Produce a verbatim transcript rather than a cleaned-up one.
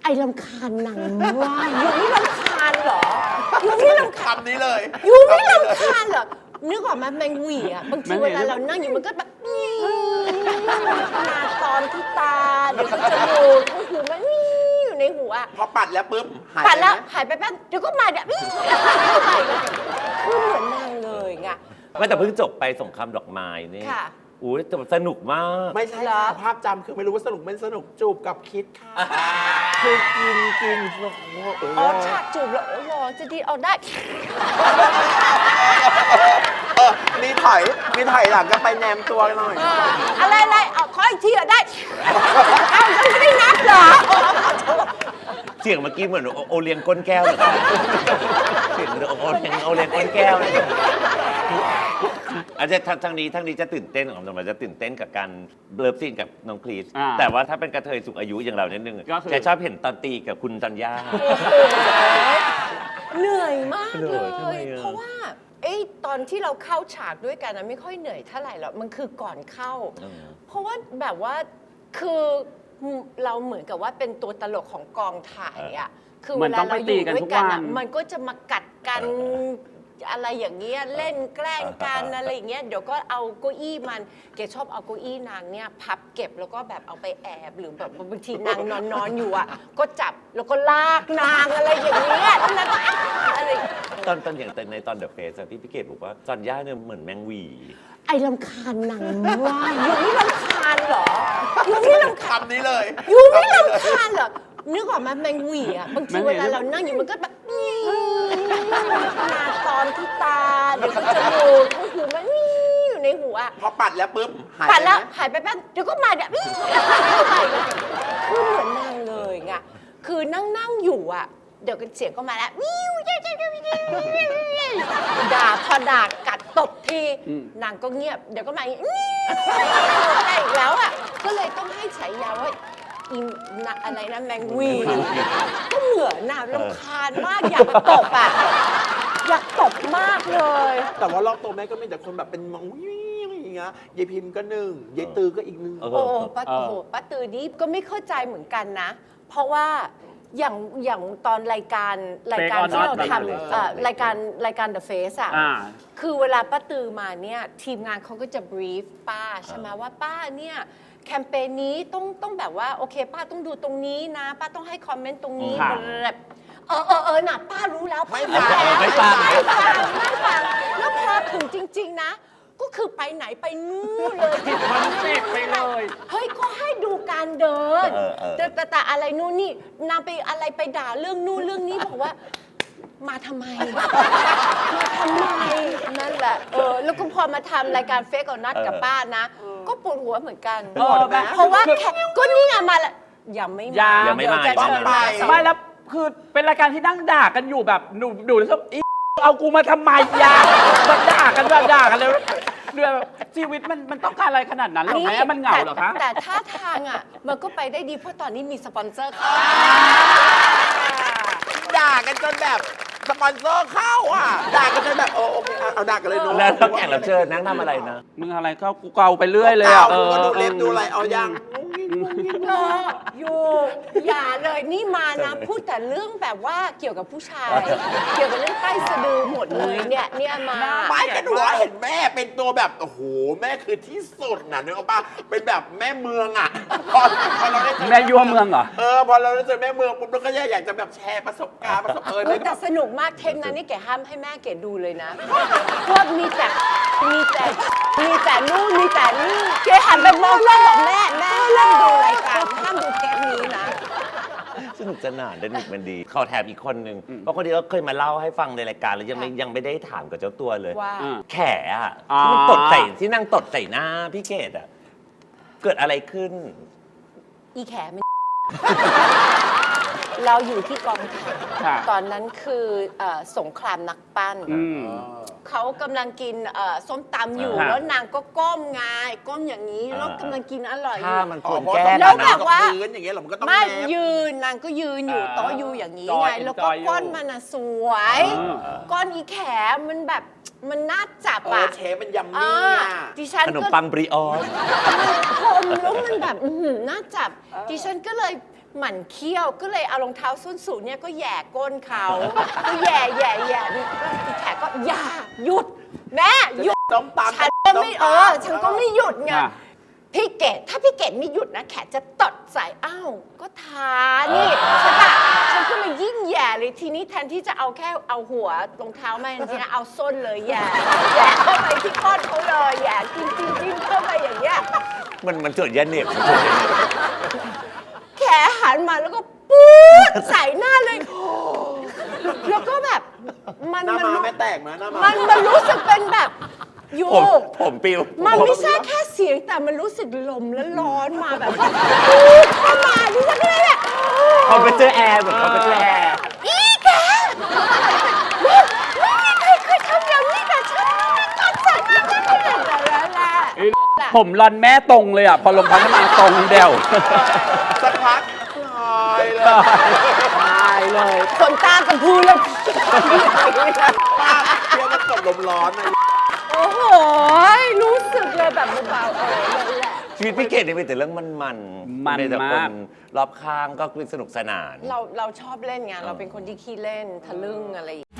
ไอ้รำคาญหนังว่ายูไม่รำคาญเหรอยูไม่รำคาญคำนี้เลยยูไม่รำคาญเหรอนึกออกมาแมงหวีอ่ะบางทีเวลาเรานั่งอยู่มันก็แบบมาตอนที่ตาเดี๋ยวก็จมูกหูมันอยู่ในหัวพอปัดแล้วปุ๊บหายปัดแล้วไหมหายไปแป๊บเดี๋ยวก็มาเดี๋ยวคือเหมือนนางเลยไงไม่แต่เพิ่งจบไปสงครามดอกไม้นี่ค่ะอุ้ยแต่สนุกมากไม่ใช่เหรอค่ะภาพจำคือไม่รู้ว่าสนุกไม่สนุกจูบกับคิดค่ะคือกินกินโอ้โหอ๋อฉากจูบแล้วโอ้โหจะดีเอาได้เออมีถอยมีถอยหลังก็ไปแนมตัวหน่อยอ่าอะไรอะไรเอาขออีกทีเหรอได้เอายังไม่ได้นับเหรออ๋อขอโทษเสียงเมื่อกี้เหมือนโอโอเลี้ยงก้นแก้วเลยครับเสียงเหมือนโอโอเลี้ยงโอเลี้ยงก้นแก้วเลยอาจจะทางทางนี้ทางนี้จะตื่นเต้นของเราจะตื่นเต้นกับการเลิฟซีนกับน้องคลีสอ่าแต่ว่าถ้าเป็นกระเทยสูงอายุอย่างเรานิดนึงก็คือจะชอบเห็นตอนตีกับคุณจันยาเหนื่อยมากเหนื่เลอยทำไมยอะเพราะว่าเอ้ยตอนที่เราเข้าฉากด้วยกันนะไม่ค่อยเหนื่อยเท่าไหร่หรอกมันคือก่อนเข้า เพราะว่าแบบว่าคือเราเหมือนกับว่าเป็นตัวตลกของกองถ่ายอ่ะคือเหมืเวอนลาต้องไปเราอตียู่กันด้วยทุกกันวัอ่ะนมันก็จะมากัดกันเอออะไรอย่างเงี้ยเล่นแกล้งกันอะไรอย่างเงี้ยเดี๋ยวก็เอาเก้าอี้มันแกชอบเอาเก้าอี้นางเนี่ยพับเก็บแล้วก็แบบเอาไปแอบหรือแบบบางทีนางนอนนอนอยู่อ่ะก็จับแล้วก็ลากนางอะไรอย่างเงี้ยแล้วก็อะไรตอนตอนอย่างในตอนเดอะเฟสที่พี่เกดบอกว่าจันยาเนี่ยเหมือนแมงหวีไอ้รำคาญหนังว่ายูไม่รำคาญเหรอยูไม่รำคาญคำนี้เลยยูไม่รำคาญเหรอนึกออกมาแมงหวีอ่ะบางทีเวลาเรานั่งอยู่มันก็แบบมาตอนที่ตาเดี๋ยวก็จมูกหูมันอยู่ในหัวพอปัดแล้วปุ๊บหายปัดแล้วไหมหายไปแป๊บเดี๋ยวก็มาเดี๋ยวคือเหมือนนางเลยไงคือนั่งนั่งอยู่อ่ะเดี๋ยวเสียงก็มาแล้ววิวด่าพอด่ากัดตบทีนางก็เงียบเดี๋ยวก็มาอีกอะไรอีกแล้วอ่ะก็เลยต้องให้ฉายาว่าอินนะอะไรนะแมงวีก็เหมือนน่ะรำคาญมากอยากตบอ่ะอยากตบมากเลยแต่ว่ารอบตัวแม่ก็มีแต่คนแบบเป็นมองวิ่งอย่างเงี้ยยายพิมพ์ก็หนึ่งยายตือก็อีกหนึ่งเออโอ้ป้าโอ้โหป้าตือนี่ก็ไม่เข้าใจเหมือนกันนะ เพราะว่าอย่างอย่างตอนรายการรายการ Fake or ที่เรา Not ทำเอ่อรายการรายการ The Face อ่ะอ่าคือเวลาป้าตือมาเนี่ยทีมงานเขาก็จะ brief ป้าใช่ไหมว่าป้าเนี่ยแคมเปญนี้ต้องต้องแบบว่าโอเคป้าต้องดูตรงนี้นะ ป้าต้องให้คอมเมนต์ตรงนี้ค่ะแบบเออเออเออน่ะป้ารู้แล้วไม่ป้าฟังรู้แล้วไม่ฟังไม่ฟังไม่ฟังแล้วพอถึงจริง ๆ นะ ก็คือไปไหนไปนู่นเลยคอนเซ็ปต์ไปเลยเฮ้ยก็ให้ดูการเดินเออเออแต่แต่แต่อะไรนู่นนี่นางไปอะไรไปด่าเรื่องนู่นเรื่องนี้บอกว่า มาทำไม มาทำไมนั่นแหละเออแล้วก็พอมาทำรายการเฟกกับนัดกับป้านะ ก็ปวดหัวเหมือนกันเออแบบเพราะว่าแค่ก็นี่ไงมาละยังไม่ยัมางยังไม่มาเดี๋ยวจะต้องเชิญไปมาสองไม่แล้วคือเป็นรายการที่นั่งด่ากันอยู่แบบหนูดูแล้วก็อีเอากูมาทำไมยาแบบด่ากันแบบด่ากันเลยเดือชีวิตมันมันต้องการอะไรขนาดนั้นหรอแม่มันเหงาเหรอคะแต่แต่ท่าทางอ่ะ มันก็ไปได้ดีเพราะตอนนี้มีสปอนเซอร์เข้าด่ากันจนแบบสปอนเซอร์เข้าอ่ะด่ากันจนแบบโอโอเคเอาเอาด่ากันเลยเนอะแล้วแล้วแขกรับเชิญนั่งทำอะไรนะมึงอะไรก็กูเกาไปเรื่อยเลยอ่ะเออดูเล็บดูอะไรเอายังเอออยู่อย่าเลยนี่มานะ พูดแต่เรื่องแบบว่าเกี่ยวกับผู้ชาย เกี่ยวกับเรื่องใต้สะดือหมดเลยเนี่ยเนี่ยมาไม่กันหัวเห็นแม่เป็นตัวแบบโอ้โหแม่คือที่สุดนะนึกออกปะเป็นแบบแม่เมืองอ่ะพอพอเราได้เจอแม่ยั่วเมืองเหรอเออพอเราได้เจอแม่เมืองปุ๊บเราก็อยากจะแบบแชร์ประสบการณ์ประสบเออเอในอแบแต่บสนุกมากเทปนั้นนี่แกห้ามให้แม่แกดูเลยนะพวกมีแต่มีแต่มีแต่นู่นมีแต่นี่แกหันไปมองแม่บอกแม่แม่ห้ามดูรายการห้ามดูเทปนี้นะสนุกสนานเดนิกมันดีขอแถมอีกคนหนึ่งเพราะคนนี้ก็เคยมาเล่าให้ฟังในรายการแล้วยังไม่ยังไม่ได้ถามกับเจ้าตัวเลยว่าอืมแขอะอ่าที่มันตดใส่ที่นั่งตดใส่หน้าพี่เกดอะเกิดอะไรขึ้นอีแขมัน เราอยู่ที่กองถ่ายค่ะตอนนั้นคือเอ่อสงครามนักปั้นอืมเขากำลังกินเอ่อส้มตำอยู่อ่าแล้วนางก็ก้มไงก้มอย่างนี้แล้วกำลังกินอร่อยอถ้ายู่มันอ๋คอวรเพราะแก้ต้องแล้วนะแบบว่าพื้นอย่างเงี้ยเหรอมันก็ต้องไม่แนบยืนนางก็ยืนอยู่อ่าโต๊ะอยู่อย่างนี้จอยไงแล้วจก็อยอยู่ก้อนมันอะสวยอืมก้อนอีแขมันแบบมันน่าจับเอออะเชฟมันยัมอ่ามี่อ่ะดิฉันขนมก็ปังบริออสมันคมแล้วมันแบบอื้อหือน่าจับ ดิฉันก็เลยหมั่นเคี้ยวก็เลยเอารองเท้าส้นสูงเนี่ยก็แหย่ก้นเขาก็แหย่แหย่แหย่นี่ก็อีแขกก็อย่าหยุดแม่หยุดต้องตามฉันก็ไม่เออฉันก็ไม่หยุดไงอ่ะพี่เกดถ้าพี่เกดไม่หยุดนะแขกจะตดใส่อ้าวก็ทานี่ใช่ปะฉันก็เลยยิ่งแย่เลยทีนี้แทนที่จะเอาแค่เอาหัวรองเท้ามาจริงๆนะเอาส้นเลยแย่แย่เข้าไปที่ก้นเขาเลยแย่จิ้มจิ้มจิ้มเข้าไปอย่างเงี้ยมันมันจุดยันเหน็บมันจุดยันเหน็บแขหันมาแล้วก็ปูดใส่หน้าเลย แล้วก็แบบมันหน้ามันมารู้ไม่แตกนะหน้ามามันมันรู้สึกเป็นแบบอยู่ผมผมปิวมันไม่ใช่แค่เสียงแต่มันรู้สึกลมและร้อนมาแบบว่าปูดเข้ามาดิฉันก็เลยแบบเขาไปเจอแอร์เหมือนเขาไปเจอแอร์อีแกไม่มีใครเคยทำอย่างนี้กับฉันไม่ตัดสัญญาแต่ละแหละผมรอนแม่ตรงเลยอ่ะ พอลงพัฒนาตรงเดียวสักพักคลายเลยตายเลยขนตากับพูเลยป้าเที่ยวมันกดลมร้อนนะโอ้โหรู้สึกเลยแบบเบาๆเออเลยแหละชีวิตพี่เกดนี่มีแต่เรื่องมันมันมันแต่คมากนรอบข้างก็สนุกสนานเราเราชอบเล่นไงเราเป็นคนที่ขี้เล่นทะลึ่งอะไรอย่างเงี้ย